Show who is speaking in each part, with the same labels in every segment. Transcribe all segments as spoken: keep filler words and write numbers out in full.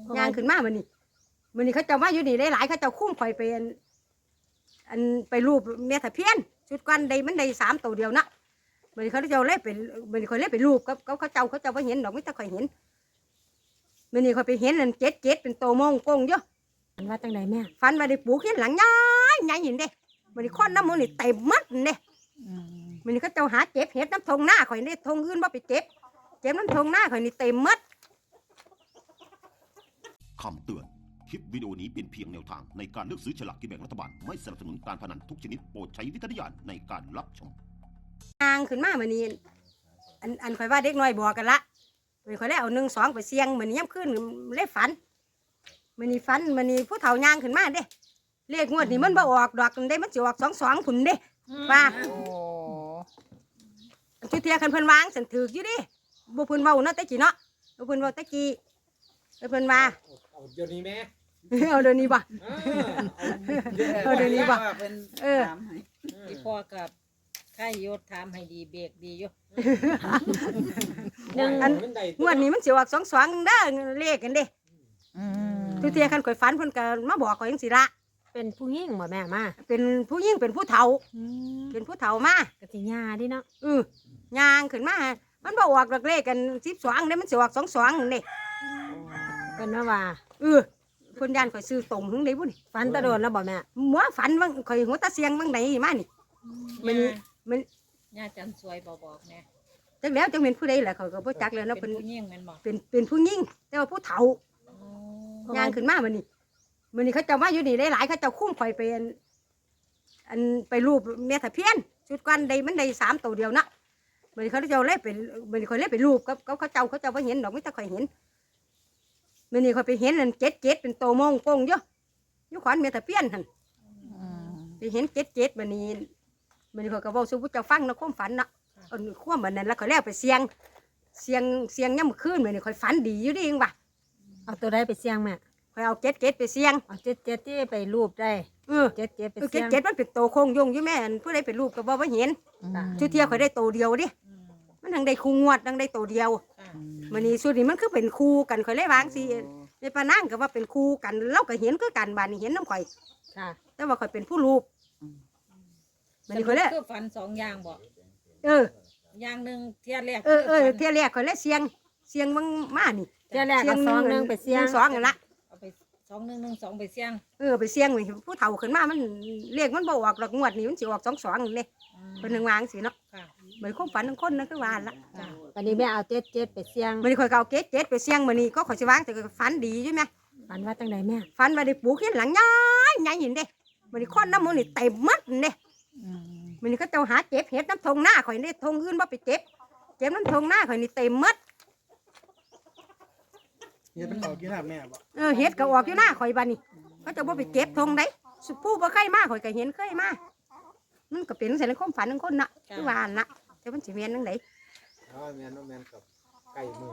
Speaker 1: ย่างขึ้นมามันนี่มันนี่เขาเจ้ามาอยู่นี่หลายๆเขาเจ้าคุ้มข่อยเป็นอันไปรูปเมียตะเพียนชุดกันใดมันได้สามตัวเดียวนะมันนี่เขาเจ้าเล่เป็นมันนี่ข่อยเล่ไปรูปกับเขาเจ้าเขาเจ้าไม่เห็นดอกไม่แต่ข่อยเห็นมันนี่ข่อยไปเห็นอันเจ็ดเจ็ดเป็นโตมงกงเยอะ
Speaker 2: ฝันว่าจังไดแม่
Speaker 1: ฟันมาได้ปลูกเห็นหลังย้ายย้ายเห็นเด้มันนี่คนน้ำมันนี่เต็มมัดเด้มันนี่เขาเจ้าหาเจ็บเห็ดน้ำทงหน้าข่อยนี่ทงอื่นว่าไปเจ็บเจ็บน้ำทงหน้าข่อยนี่เต็มมัด
Speaker 3: คำเตือนคลิปวิดีโอนี้เป็นเพียงแนวทางในการเลือกซื้อฉลากกินแบ่งรัฐบาลไม่สนับสนุนการพนันทุกชนิดโปรดใช้วิจารณญาณในการรับชม
Speaker 1: ย่างขึ้นมามันนี่อันอันข่อยว่าเด็กน้อยบอกกันละมันข่อยได้เอาหนึ่งสองไปเสี่ยงมันนี่ย้ำขึ้นเล่ฝันมันนี่ฝันมันนี่ผู้เฒ่าย่างขึ้นมาเด้เลขงวดนี่มันบ่ออกดอกได้มันสิออกสองสองผุนเด้ว่าจุดเทียคันเพิ่นวางสันถืออยู่ดิบ่เพิ่นเว้าเนาะแต่กี้เนาะบ่เพิ่นเว้าแต่กี้เพิ่นว่า
Speaker 4: เอาเดี๋ยวนี้แม่
Speaker 1: เอาเดี๋ยวนี้บ่เอาเดี๋ยวนี้บ่เออ
Speaker 2: ที่พ่อกับข้ายศถามให้ดีเบรกดีอยู่
Speaker 1: อันงวดนี้มันสิออกสองสองเด้อเลขกันเด้จุดเทียคันข่อยฝันเพิ่นก็มาบอกข่อยจังซี่ละ
Speaker 2: เป็นผู้หญิงบ่แม่มา
Speaker 1: เป็นผู้หญิงเป็นผู้เฒ่าเป็นผู้เฒ่ามาก
Speaker 2: ะสิญาดิเนาะ
Speaker 1: เออย่างขึ้นมามันบ่ออกดอกเลขกันสิบสองเด้มันสิออกสองสองนี่
Speaker 2: เพิ่นว่าว่า
Speaker 1: เออเพิ่นย่านข่อยซื้อตรงถึงได้บ่นี่
Speaker 2: ฝันตะโดนแล้วบ่แม่
Speaker 1: หมัวฝันว่าข่อยหัวตาเสียงบางไหนมานี่มันมัน
Speaker 2: ย่าจันสวยบ่บอกแม่
Speaker 1: จักแล้วจังเป็นผู้ใดแหละเขาก็บ่จักแล้วเนาะ
Speaker 2: เป็นผู้หญิงแม่นบ่
Speaker 1: เป็นเป็นผู้หญิงแต่ว่าผู้เฒ่าย่างขึ้นมามันนี่มันนี่เขาเจ้ามาอยู่นี่หลายๆเขาเจ้าคุ้มข่อยเป็นอันไปรูปเมียตะเพียนชุดกันใดมันได้สามตัวเดียวนะมันนี่เขาเจ้าเล่เป็นมันนี่ข่อยเล่ไปรูปกับเขาเจ้าเขาเจ้าไม่เห็นดอกไม่แต่ข่อยเห็นมันนี่ข่อยไปเห็นอันเจ็ดเจ็ดเป็นโตมงกงเยอะยุขวัญเมียตะเพียนหันไปเห็นเจ็ดเจ็ดมันนี่มันนี่ข่อยก็บอกสู้ผู้เจ้าฟังนะความฝันนะเอาความมันนั้นแล้วข่อยแล้วไปเสียงเสียงเสียงย่ำคืนมันนี่ข่อยฝันดีอยู่ดิเองว่ะ
Speaker 2: เอาตัวใดไปเสียงแม่
Speaker 1: ข่อยเอาเจ็ดเจ็ดไปเสียง
Speaker 2: เอาเจ็ดเจ็ดที่ไปรูปได้
Speaker 1: เออ
Speaker 2: เจ็ดเจ็ดไป
Speaker 1: เสียงเจ็ดเจ็ดมันเป็นโตโคงยงอยู่แม่ผู้ใดเป็นรูปก็บอกว่าเห็นชุดเทียข่อยได้โตเดียวดิมันทั้งได้คู่งวดทั้งได้โตเดียวมันนี่สุดนี่มันคือเป็นคู่กันข่อยเลยวางสิในปานั่งก็ว่าเป็นคู่กันเราก็เห็นคือกันบ้านนี่เห็นน้ำข่อยแต่ว่าข่อยเป็นผู้รูป
Speaker 2: มันนี่ข่อยเลยคือฝันสองอย่างบ่
Speaker 1: เออ
Speaker 2: อย่างหนึ่งเทียแรก
Speaker 1: เออเออเทียแรกข่อยเลยเสียงเสียงมึงมานี่
Speaker 2: เทียแรกก็สองหนึ่งไปเสียง
Speaker 1: สองกันละ
Speaker 2: เอาไปสองหนึ่งหนึ่งสองไปเสียง
Speaker 1: เออไปเสียงเลยผู้เฒ่าขึ้นมามันเรียกมันบ่ออกหลักงวดนี่มันสิออกสองสองเลยเป็นหนึ่งวางสิเนาะเหมือนความฝันของคนนั่นคือวานละ
Speaker 2: วันนี้แม่เอาเจ็ดเจ็ดไปเสียง
Speaker 1: มันข่อยเก่าเจ็ดเจ็ดไปเสียงมันนี่ก็ข่อยสิวางแต่ฝันดีใช่ไหม
Speaker 2: ฝันว่าจังไดแม่
Speaker 1: ฝันว่าได้ปลูกเห็นหลังย้ายย้ายเห็นเด้มันนี่คนน้ำมันนี่เต็มมัดเด้มันนี่ก็เจ้าหาเจ็บเห็ดน้ำทงหน้าข่อยนี่ทงอื่นว่าไปเจ็บเจ็บน้ำทงหน้าข่อยนี่เต็มมัด
Speaker 4: เห็ดมันออกอยู่หน้าแม่บ่
Speaker 1: เออเห็ดก็ออกอยู่หน้าข่อยบ้านนี่เขาจะว่าไปเก็บทงได้สุผู้บ่เคยมาข่อยก็เห็นเคยมามันก็เป็นใส่ในความฝันของคนน่ะคือว่าน่ะแต่มันสิเมียนนั่งไหน
Speaker 4: อ๋อแม่นแม่นกับไก่มือ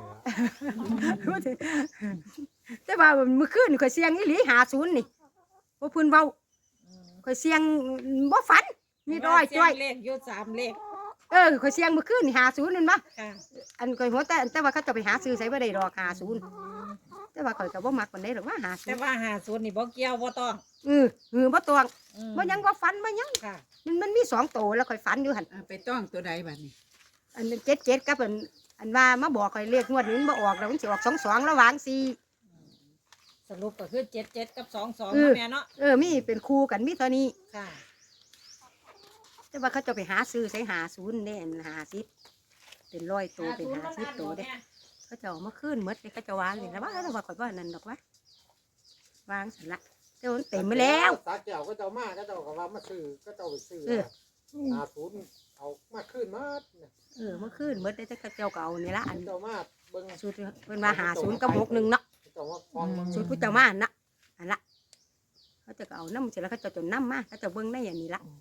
Speaker 1: แต่ว่าเมื่อคืนข่อยเสียงอีหลีหาศูนย์นี่บ่พื้นเว้าข่อยเสียงบ่ฝันมีร้อยจ้อย
Speaker 2: เลขอยู่สามเลข
Speaker 1: เออข่อยเสียงเมื่อคืนนี่หาศูนย์นั่นบ่อันข่อยหัวแต่แต่ว่าเขาจะไปหาซื้อใส่บ่ได้ดอกหาศูนย์แต่ว่าข่อยก็บ่มักปานใดหรอกว่าหาศูนย์
Speaker 2: แต่ว่าหาศูนย์นี่บ่เกี่ยวบ่ต้อง
Speaker 1: เออเออบ่ต้องบ่ยังบ่ฝันบ่ยังค่ะมันมันมีสองโตแล้วข่อยฝันอยู่หั่น
Speaker 2: ไปต้องตัวใดบัดนี้
Speaker 1: อันเจ็ดเจ็ดกับอันอันว่ามาบอกข่อยเลขงวดนี้มันบ่ออกแล้วมันสิออกสองสองแล้ววางสี่
Speaker 2: สรุปก็คือเจ็ดเจ็ดกับสองสองแม่เนาะ
Speaker 1: เออมีเป็นคู่กันมีเท่านี้
Speaker 2: ค่ะ
Speaker 1: แต่ว่าเขาจะไปหาซื้อใส่หาศูนย์เนี่ยหาสิบเป็นร้อยตัวเป็นหาสิบตัวเด้เขาจะเอามาขึ้นมดเลยเขาจะวางเลยนะว่าแต่ว่าข่อยว่านั่นดอกวะวางเสร็จละเจ้าเต็มไปแล้ว
Speaker 4: สาเจ้าก็เจ้ามาก็เจ้าก็ว่ามาซื้อก็เจ้าไปซื้อหาศูนย์เอามาขึ้นมา
Speaker 1: เออมาขึ้นมดได้แต่เจ้าเก่านี่ละอัน
Speaker 4: เจ้ามาเบิ่ง
Speaker 1: สุดเป็นมาหาศูนย์กับหกหนึ่งเนาะสุดผู้เจ้ามาเนาะอันละเขาจะเอาน้ำเสร็จแล้วเขาจะจนน้ำมาเขาจะเบิ่งได้อย่างนี้ละ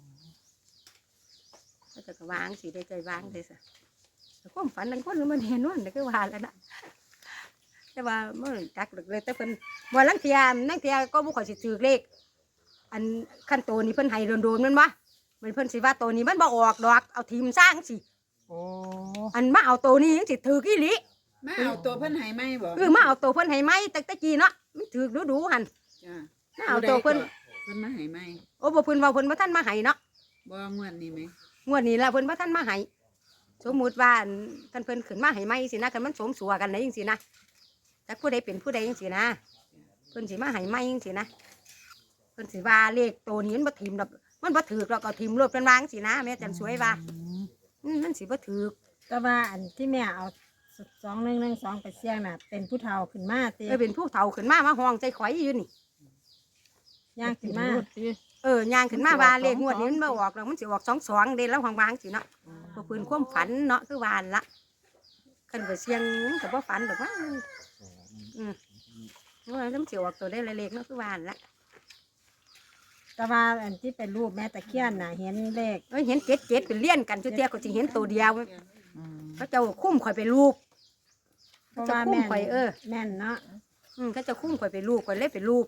Speaker 1: ก็จะวางสีได้ใจวางเลยสิแต่ความฝันนั่งคนมันเห็นว่านี่คือว่าแล้วนะแต่ว่าเมื่อจักเลยแต่เพิ่นวันลังเทียมนั่งเทียก็บุคคลสิถือเลขอันขั้นโตนี้เพิ่นให้โดนๆมันวะมันเพิ่นสิว่าโตนี้มันบ่ออกดอกเอาทีมสร้างสิอันมาเอาโตนี้ยังสิถือกี่ลิ
Speaker 5: มาเอาตัวเพิ่นให้ไหมบ่
Speaker 1: เออมาเอาตัวเพิ่นให้ไหมแต่ตะกี้เนาะมันถือดูๆหั่น
Speaker 5: จ้า
Speaker 1: มาเอาตัวเพิ่น
Speaker 5: เพิ่นมาให้ไหม
Speaker 1: โอ้บ่เพิ่นเว้าเพิ่นบ่ทันมาให้เนาะ
Speaker 5: บ่งวดนี้ไหม
Speaker 1: งวดนี้ล่ะเพิ่นบ่ทันมาให้สมมุติว่าคันเพิ่นขึ้นมาให้ไหมสินะคันมันสมสัวกันได้จังซี่นะจักผู้ใดเป็นผู้ใดจังซี่นะเพิ่นสิมาให้ไหมจังซี่นะเพิ่นสิว่าเลขตัวนี้มันบ่ถิ่มดอกมันบ่ถูกดอกก็ถิ่มรถเพิ่นว่าจังซี่นะแม่จันสวยว่าอืมมันสิบ่ถูก
Speaker 2: แต่ว่าอันที่แม่เอาสองหนึ่งหนึ่งสองไปเสี่ยงน่ะเป็นผู้เฒ่าขึ้นมาเตี
Speaker 1: เออเป็นผู้เฒ่าขึ้นมามาห้องใจข่อยอยู่นี่
Speaker 2: ย่างขึ้นมา
Speaker 1: เออย่างขึ้นมาว่าเลขงวดนี้มันบ่ออกแล้วมันสิออกสองสองเด้แล้ววางๆสิเนาะบ่เพิ่นความฝันเนาะคือว่าหั่นละคันไปเสี่ยงมันก็บ่ฝันดอกว่าอืมว่าแล้วมันสิออกตัวได้เลขเนาะคือว่าหั่นละ
Speaker 2: แต่ว่าอันที่เป็นรูปแม่ตะเคียนน่ะเห็นเลข
Speaker 1: เอ้ยเห็นเจ็ดเจ็ดเป็นเลี่ยนกันจุเตียก็สิเห็นตัวเดียวเขาเจ้าคุ้มข่อยไปลูก
Speaker 2: เพ
Speaker 1: เขา
Speaker 2: ราะ
Speaker 1: เจ้า
Speaker 2: ว่า
Speaker 1: คุ้ม
Speaker 2: แม่น
Speaker 1: ข่อยเออ
Speaker 2: แม่นเนาะ
Speaker 1: อืมเขาเจ้าคุ้มข่อยไปลูกข่อยเล่ไปลูก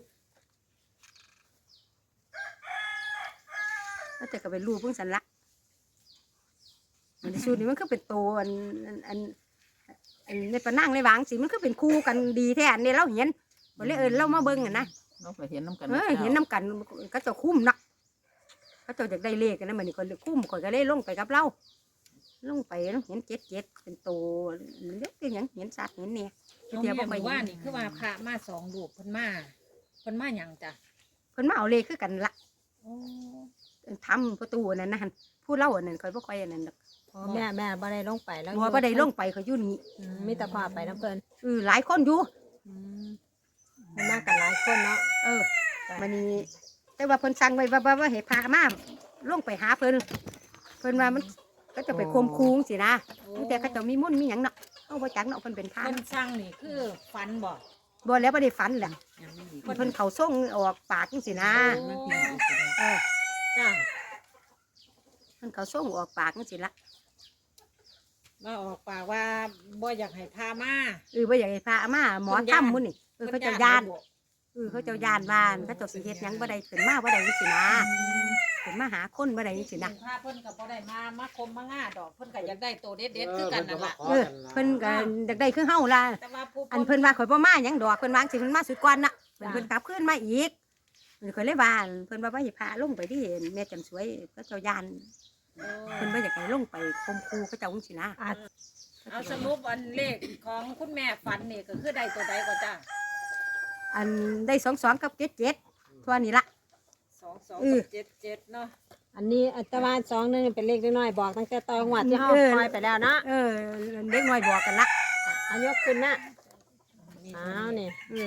Speaker 1: เขาเจะก็ไปลูกเพิ่งสันละอันนี้สูตรนี้มันก็เป็นตัวอันอันอันอันในปะนั่งในวางสิมันก็เป็นคู่กันดีแท้อันนี้เราเห็นบ่เลยเอินเรามาเบิ่งอ่ะนะ
Speaker 6: เราไปเห็นน้ำกัน
Speaker 1: เออเห็นน้ำกันเขาเจ้าคุ้มเนาะเขาเจ้าอยากได้เลขกันนะมันนี่คนคุ้มข่อยก็เลยลงไปกับเราลงไปเห็นเจ็ดเจ็ดเป็นตัวเล็กเป็นหยังเห็นสัตว์เห็นเนี่ย
Speaker 7: น้อง
Speaker 1: เดี๋
Speaker 7: แม่
Speaker 1: ยวบ่ค่อย
Speaker 7: บอกว่านี่คือว่าพระมาสองลูกเพิ่นมาเพิ่นมาหยังจ้ะ
Speaker 1: เพิ่นมาเอาเลขคือกันละ
Speaker 7: โอ้
Speaker 1: ทำประตูอันนั้นนะหั่นผู้เล่าอันนั้นคอยบ่ค่อยอันนั้นดอก
Speaker 2: อ๋อแม่แม่บ่ได้ลงไปแล้ว
Speaker 1: บัวบ่ได้ลงไปเขาอยู่นี่
Speaker 2: อืมมีแต่พาไปน้ำเพิ่น
Speaker 1: เออหลายคนอยู่
Speaker 2: อืมเพิ่นมากันหลายคนเนาะ
Speaker 1: เออมันนี่แต่ว่าเพิ่นสั่งไว้ว่าว่าว่าให้พามาลงไปหาเพิ่นเพิ่นว่ามันก็จะไปคมคูงสินะแต่เขาเจะมีมุ่นต์มีหยังเนาะเอาบ่จักเนาะเพิ่นเป็นพระ
Speaker 7: เพิ่นสั่งนี่คือฝันบ่
Speaker 1: บ่แล้วบ่ได้ฝันแหละ
Speaker 5: ยังไม่ดี
Speaker 1: เพิ่นเขาส่งออกปากจังสินะเออ
Speaker 7: จ้ะ
Speaker 1: เพิ่นเขาส่งออกปากจังสิละ
Speaker 7: มาออกปากว่าบ่อยากให้พามา
Speaker 1: เออบ่อยากให้พามาหมอถ้ำมุ่นนี่เออเขาเจะย่านเออเขาเจะย่านบ้านเขาเจะสิเฮ็ดหยังบ่ได้ขึ้นมาบ่ได้จังสินะขึ้นมาหาคนบ่ได้จังสินะ
Speaker 7: พาเพิ่นก็บ่ได้มามาคมมาง่าดอกเพิ่นก็อยากได้โตเด็ดๆคือกันนั่นล่ะ
Speaker 1: เออเพิ่นก็อยากได้คือเฮาล่ะ
Speaker 7: แต่ว่าผู้
Speaker 1: อันเพิ่นว่าข่อยบ่มาหยังดอกเพิ่นวาจั่งสิเพิ่นมาสุดก่อนน่ะเพิ่นเพิ่นกลับคืนมาอีกเพิ่นข่อยเลยว่าเพิ่นว่าบ่ให้พาลงไปที่แม่จันสวยก็เจ้าย่านเพิ่นบ่อยากให้ลงไปคมคูเขาเจ้าจังซี่นะ
Speaker 2: อาจ
Speaker 7: เอาสรุปอันเลขของคุณแม่ฝันนี่ก็คือได้ตัวใดก็จ้ะ
Speaker 1: อันได้สองสองกับเจ็ดเจ็ดทั่วนี้ละ
Speaker 7: สองสอง
Speaker 1: เออ
Speaker 7: กับเจ็ดเจ็ดเนาะ
Speaker 2: อันนี้อัตราสองหนึงเป็นเลขน้อยๆบอกตั้งแต่ตอนงวดที่เฮาปล่อยไปแล้วเนาะ
Speaker 1: เออเด็กน้อยบอกกันละ
Speaker 2: เอายกขึ้นนะอ้าวนี่
Speaker 1: เออ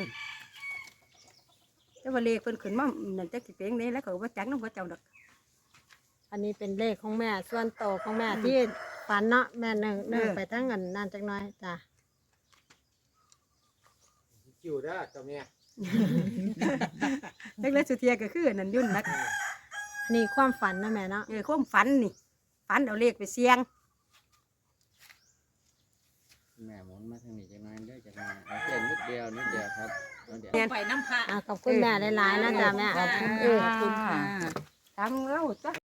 Speaker 1: แต่ว่าเลขเพิ่นขึ้นมานั่นจักสิเป็นจั่งใดแล้วก็บ่จักนำเขาเจ้าดอก
Speaker 2: อันนี้เป็นเลขของแม่ส่วนโตวของแม่ที่ฝันเนาะแม่หนึ่งหนึ่งไปทั้งอันนั่นจักหน่อยจ้ะ
Speaker 4: คิวได้อเจ้าแม่
Speaker 1: จักเลยสุเทียก็คืออันนั้นยุ่นนัก
Speaker 2: นี่ความฝันนะแม่เนาะ
Speaker 1: เออความฝันนี่ฝันเอาเลขไปเสี่ยง
Speaker 6: แม่หมุนมาทางนี้จังน้อยเด้อจังน้อยเอาเส้นนิดเดียวนิดเดียวครับเอาเดี๋ยว
Speaker 7: ไปน้ำพระ
Speaker 2: อ่ะขอบคุณแม่หลายๆนะจ้ะแม่
Speaker 5: ขอบคุณ
Speaker 1: เออ
Speaker 5: ขอบคุณค่ะ
Speaker 1: ตามเราจ้ะ